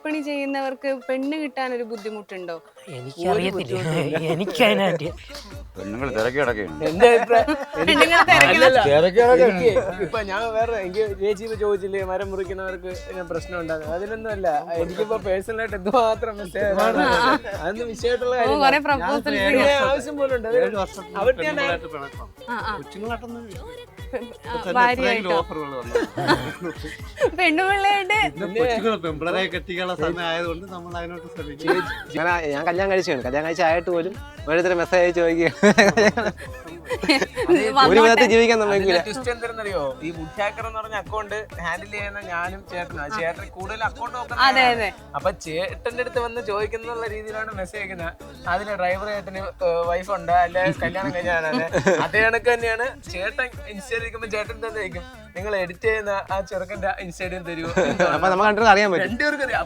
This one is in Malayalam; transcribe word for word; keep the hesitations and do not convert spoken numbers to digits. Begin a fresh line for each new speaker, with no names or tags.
കൂലിപ്പണി ചെയ്യുന്നവർക്ക് പെണ്ണ് കിട്ടാൻ ഒരു ബുദ്ധിമുട്ടുണ്ടോ?
എനിക്കറിയത്തില്ല, എനിക്കതിനായിട്ട്
പെണ്ണുങ്ങൾ തിരക്കി കിടക്കുകയാണ്.
എന്റെ അഭിപ്രായം
പെണ്ണുങ്ങളെ തിരക്കുന്ന
ഇപ്പൊ ഞാൻ വേറെ എനിക്ക് ചേച്ചി ഇപ്പൊ ചോദിച്ചില്ലേ മരം മുറിക്കുന്നവർക്ക് പ്രശ്നം ഉണ്ടാകും, അതിനൊന്നും അല്ല. എനിക്കിപ്പോ പേഴ്സണലായിട്ട് എന്തുമാത്രം മെസ്സേജ് അതൊന്നും വിഷയമായിട്ടുള്ള
കുറെ
കാര്യം
പ്രപ്പോസൽസ്
ആവശ്യം പോലും ഉണ്ട്. അവർക്ക് ഞാൻ
ഭാര്യയായിട്ടോ പെണ്ണുപിള്ളയായിട്ട്
പെമ്പിളരെ കെട്ടിക്കാനുള്ള സമയം ആയതുകൊണ്ട് നമ്മൾ അതിനോട്ട് ശ്രമിക്കും.
ഞാൻ ഞാൻ കല്യാണം കഴിച്ചാണ്, കല്യാണം കഴിച്ചായിട്ട് പോലും ഓരോരുത്തർ മെസ്സേജ് അയച്ച് ചോദിക്കുക ഒരു വിധത്തിൽ ജീവിക്കാൻ നമ്മൾക്കില്ല. ട്വിസ്റ്റ് എന്താണെന്നറിയോ, ഈ വുഡ് ഹാക്കർ എന്ന് പറഞ്ഞ അക്കൗണ്ട് ഹാൻഡിൽ ചെയ്യുന്ന ഞാനും ചേട്ടനാണ്. ചേട്ടൻ കൂടുതൽ അക്കൗണ്ട് നോക്കുന്നത്. അപ്പൊ ചേട്ടന്റെ അടുത്ത് വന്ന് ചോദിക്കുന്ന രീതിയിലാണ് മെസ്സേജ് അയക്കുന്നത്. അതിന് ഡ്രൈവർ ചേട്ടന് വൈഫ് ഉണ്ട്, അല്ലെ കല്യാണം കഴിഞ്ഞാണ്. അതേ കണക്ക് തന്നെയാണ് ചേട്ടൻ ഇൻസ്റ്റയിൽ ഇരിക്കുമ്പോ ചേട്ടൻ തന്നെ ചോദിക്കും, നിങ്ങൾ എഡിറ്റ് ചെയ്യുന്ന ആ ചെറുക്കന്റെ ഇൻസ്റ്റയിൽ തരുമോ?
അപ്പൊ നമുക്ക് കണ്ടത് അറിയാൻ പറ്റും.
രണ്ടുപേർക്കും അറിയാം.